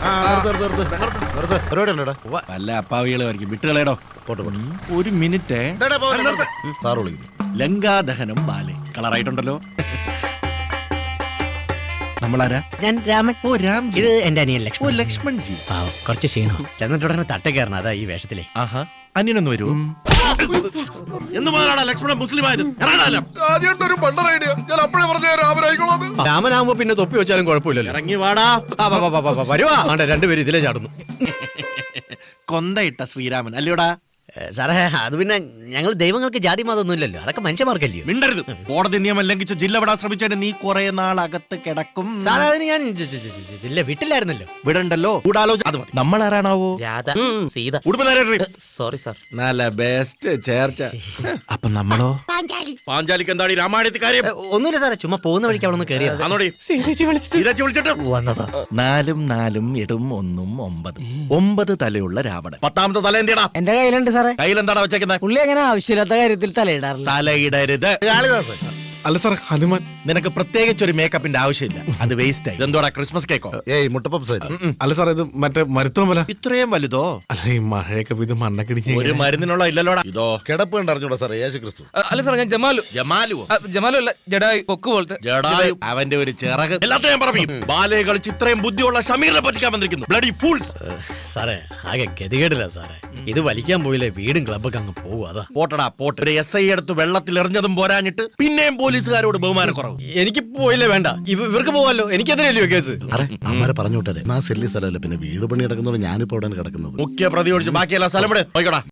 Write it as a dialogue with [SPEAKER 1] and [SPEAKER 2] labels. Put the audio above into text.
[SPEAKER 1] വല്ല അപ്പാവികളായിരിക്കും വിട്ടുകളേടോ. ഒരു minute. ലങ്കാദഹനം ballet കളറായിട്ടുണ്ടല്ലോ. നമ്മളാരാ?
[SPEAKER 2] ഞാൻ രാമൻ.
[SPEAKER 1] ഓ രാംജി.
[SPEAKER 2] ഇത് എന്റെ അനിയൻ ലക്ഷ്മൺ.
[SPEAKER 1] ഓ ലക്ഷ്മൺജി.
[SPEAKER 2] കുറച്ച് ക്ഷീണം. ചെന്നിട്ടുടനെ തട്ട കയറണം, അതാ ഈ വേഷത്തിലെ.
[SPEAKER 1] ആഹാ, അന്യനൊന്ന് വരൂ. എന്ന് മുതലാടാ ലക്ഷ്മണൻ മുസ്ലിം ആയത്?
[SPEAKER 2] രാമനാകുമ്പോ പിന്നെ തൊപ്പി വെച്ചാലും കുഴപ്പമില്ലല്ലോ.
[SPEAKER 1] ഇറങ്ങി വാടാ.
[SPEAKER 2] വരുവാ. രണ്ടുപേരും ഇതിലേ ചാടുന്നു.
[SPEAKER 1] കൊന്തയിട്ട ശ്രീരാമൻ അല്ലയോടാ?
[SPEAKER 2] സാറേ, അത് പിന്നെ ഞങ്ങൾ ദൈവങ്ങൾക്ക് ജാതി മതമൊന്നും ഇല്ലല്ലോ, അതൊക്കെ മനുഷ്യന്മാർക്കല്ലയോ.
[SPEAKER 1] മിണ്ടരുത്. കോടതി നിയമം ലംഘിച്ച് ജില്ല വിടാൻ ശ്രമിച്ചതിന് നീ കുറെ നാൾ അകത്ത് കിടക്കും.
[SPEAKER 2] സാറേ, അതിന് ഞാൻ ജില്ല വിട്ടില്ലായിരുന്നല്ലോ.
[SPEAKER 1] വിടണ്ടല്ലോ. നമ്മൾ ആരാണാവോ?
[SPEAKER 2] രാധ, സീത. Sorry sir.
[SPEAKER 1] നല്ല ബെസ്റ്റ് ചേർച്ച. അപ്പൊ നമ്മളോ? പാഞ്ചാലിക്ക് എന്താണ് ഈ രാമായണത്തിൽ കാര്യം?
[SPEAKER 2] ഒന്നുമില്ല സാറേ, ചുമ്മാ പോകുന്ന വഴിക്ക് അവിടെ നിന്ന് കയറിയത്.
[SPEAKER 1] 4 4 7 1 9 9 തലയുള്ള രാവണൻ. 10ാമത്തെ തല എന്തിടാ?
[SPEAKER 2] എന്റെ കയ്യിലുണ്ട് സാറേ.
[SPEAKER 1] കയ്യിലെന്താടാ വെച്ചേക്കുന്നത്?
[SPEAKER 2] പുള്ളി അങ്ങനെ ആവശ്യമില്ലാത്ത കാര്യത്തിൽ തലയിടാറില്ല.
[SPEAKER 1] തലയിടരുത്.
[SPEAKER 3] അല്ല സാർ, ഹനുമാൻ.
[SPEAKER 1] നിനക്ക് പ്രത്യേകിച്ച് ഒരു മേക്കപ്പിന്റെ ആവശ്യമില്ല, അത് വേസ്റ്റ് ആയി. ഇതെന്തോടാ, ക്രിസ്മസ് കേക്കോ?
[SPEAKER 3] മുട്ടപ്പപ്സ്. അല്ല സാർ, ഇത് മറ്റേ മരുത്തോമല.
[SPEAKER 1] ഇത്രയും വലുതോ?
[SPEAKER 3] അല്ല, ഈ മഴയൊക്കെ ഇത് മണ്ണക്കിടിഞ്ഞ
[SPEAKER 1] ഒരു മരുന്നിനുള്ള ഇല്ലല്ലോടാ. ഇതോ
[SPEAKER 3] കിടപ്പ് കണ്ടറിഞ്ഞൂടാ സാറേ, യേശു ക്രിസ്തു.
[SPEAKER 4] അല്ല സാർ, ഞാൻ ജമാലു. ജമാലു അല്ല, ജഡായു, കൊക്ക് പോലത്തെ.
[SPEAKER 1] ജഡായു, അവന്റെ ഒരു ചിറക്. എല്ലാത്തിനും ഞാൻ പറയും. ബാലയെ കളിച്ച് ഇത്രയും ബുദ്ധിയുള്ള ഷമീറിനെ പറ്റിക്കാൻ വന്നിരിക്കുന്നു. Bloody fools.
[SPEAKER 2] സാറേ, ആകെ ഗതികേടില്ല സാറേ. ഇത് വലിക്കാൻ പോയില്ലേ, വീടും ക്ലബ്ബൊക്കെ അങ്ങ് പോകും. അതാ.
[SPEAKER 1] പോട്ടടാ പോട്ട്. ഒരു SI എടുത്ത് വെള്ളത്തിൽ എറിഞ്ഞതും പോരാഞ്ഞിട്ട് പിന്നെയും പോലീസുകാരോട് ബഹുമാനം കുറവ്.
[SPEAKER 2] എനിക്ക് പോയില്ലേ വേണ്ട, ഇവർക്ക് പോവാല്ലോ. എനിക്കെതിരല്ലയോ കേസ്?
[SPEAKER 3] അമ്മാരെ പറഞ്ഞു വിട്ടേ. സെല്ലി സ്ഥലമല്ല, പിന്നെ വീട് പണി കിടക്കുന്നോണ്ട് ഞാനിപ്പോ അവിടെ കിടക്കുന്നത്.
[SPEAKER 1] മുഖ്യ പ്രതി ഒഴിച്ച് ബാക്കിയെല്ലാം സ്ഥലം വിട്. പോയിക്കോടാ.